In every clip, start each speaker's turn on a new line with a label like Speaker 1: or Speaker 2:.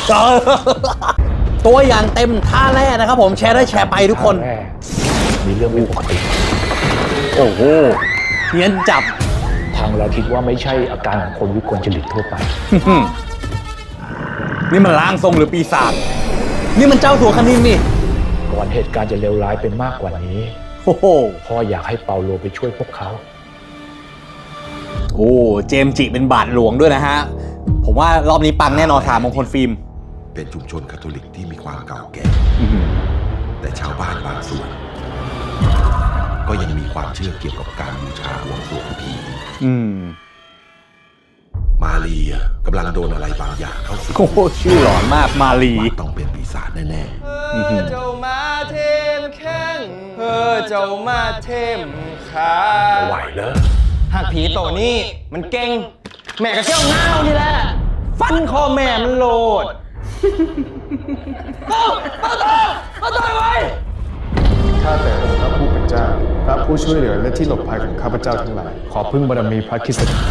Speaker 1: ตัวอย่างเต็มท่าแรกนะครับผมแชร์ได้แชร์ไปทุกคน
Speaker 2: มีเรื่องไม่ปกติ
Speaker 1: โอ้โหเฮี้ยนจับ
Speaker 2: ทางเราคิดว่าไม่ใช่อาการของคนวิกลจริตทั่วไป
Speaker 1: นี่มันร่างทรงหรือปีศาจนี่มันเจ้าถั่วคณินนี่
Speaker 2: ก่อนเหตุการณ์จะเลวร้ายเป็นมากกว่านี้
Speaker 1: โอ้โห
Speaker 2: พ่ออยากให้เปาโลไปช่วยพวกเขา
Speaker 1: โอ้เจมส์จิเป็นบาทหลวงด้วยนะฮะผมว่ารอบนี้ปังแน่นอนถามมงคลฟิล์ม
Speaker 3: เป็นชุมชนคาทอลิกที่มีความเก่าแก่แต่ชาวบ้านบางส่วนก็ยังมีความเชื่อเกี่ยวกับการบูชาบวงสรวงผีมาลีกำลังโดนอะไรบางอย่างเข้าสิง
Speaker 1: โอ้โหชื่อหลอนมากมาลี
Speaker 3: ต้องเป็นปีศาจแน่
Speaker 4: ๆเจ้ามาเทมแข้งเจ้ามาเทมขา
Speaker 2: ไหวแล้ว
Speaker 4: หากผีตัวนี้มันเก่งแม่ก็เชี่ยวเงานี่แหละฟันคอแม่มันโลดมาต่อยไว้
Speaker 5: ข้าแต่องค์พระผู้เป็นเจ้าพระผู้ช่วยเหลือและที่หลบภัยของข้าพเจ้าทั้งหลายขอพึ่งบารมีพระคริสต์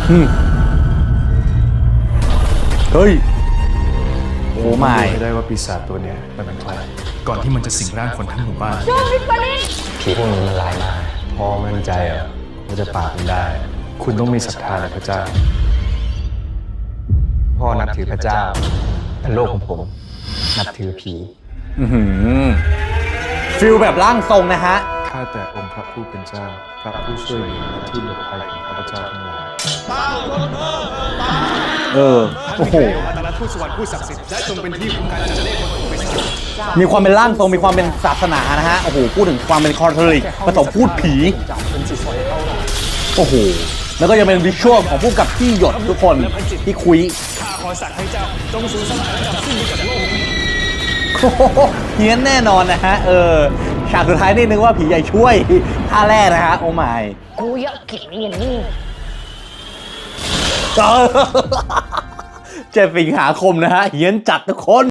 Speaker 1: เฮ้ยโอ้ไม่
Speaker 5: ได้ว่าปีศาจตัวนี้มันเป็นใครก่อนที่มันจะสิงร่างคนทั้งหมู่บ้าน
Speaker 4: ผีพวกนี้มันร้ายมาก
Speaker 5: พอมั่นใจว่าจะปราบมันได้คุณต้องมีศรัทธาในพระเจ้า
Speaker 4: พ่อนับถือพระเจ้าแต่โลกของผมนับถือผี
Speaker 1: ฟิลแบบร่างทรงนะฮะ
Speaker 5: ข้าแต่องค์พระผู้เป็นเจ้าพระผู้ช่วยเหลือและที่หลบภัยของข้าพเจ้าทั้งหลาย
Speaker 1: โอ้โหมีความเป็นร่างทรงมีความเป็นศาสนานะฮะโอ้โหพูดถึงความเป็นคาทอลิกผสมพูดผีโอ้โหแล้วก็ยังเป็นวิชวลของผู้กับที่หยดทุกคนที่คุยข้าขอสั่งให้เจ้าจงสูญสลายและดับสิ้นไปจากโลกนี้เฮี้ยนแน่นอนนะฮะฉากสุดท้ายนี่นึกว่าผีใหญ่ช่วยท่าแรกนะฮะโอ้ไม่
Speaker 6: กูอยากกินอย่างนี้
Speaker 1: 7 สิงหาคมนะฮะเฮี้ยนจัดทุกคน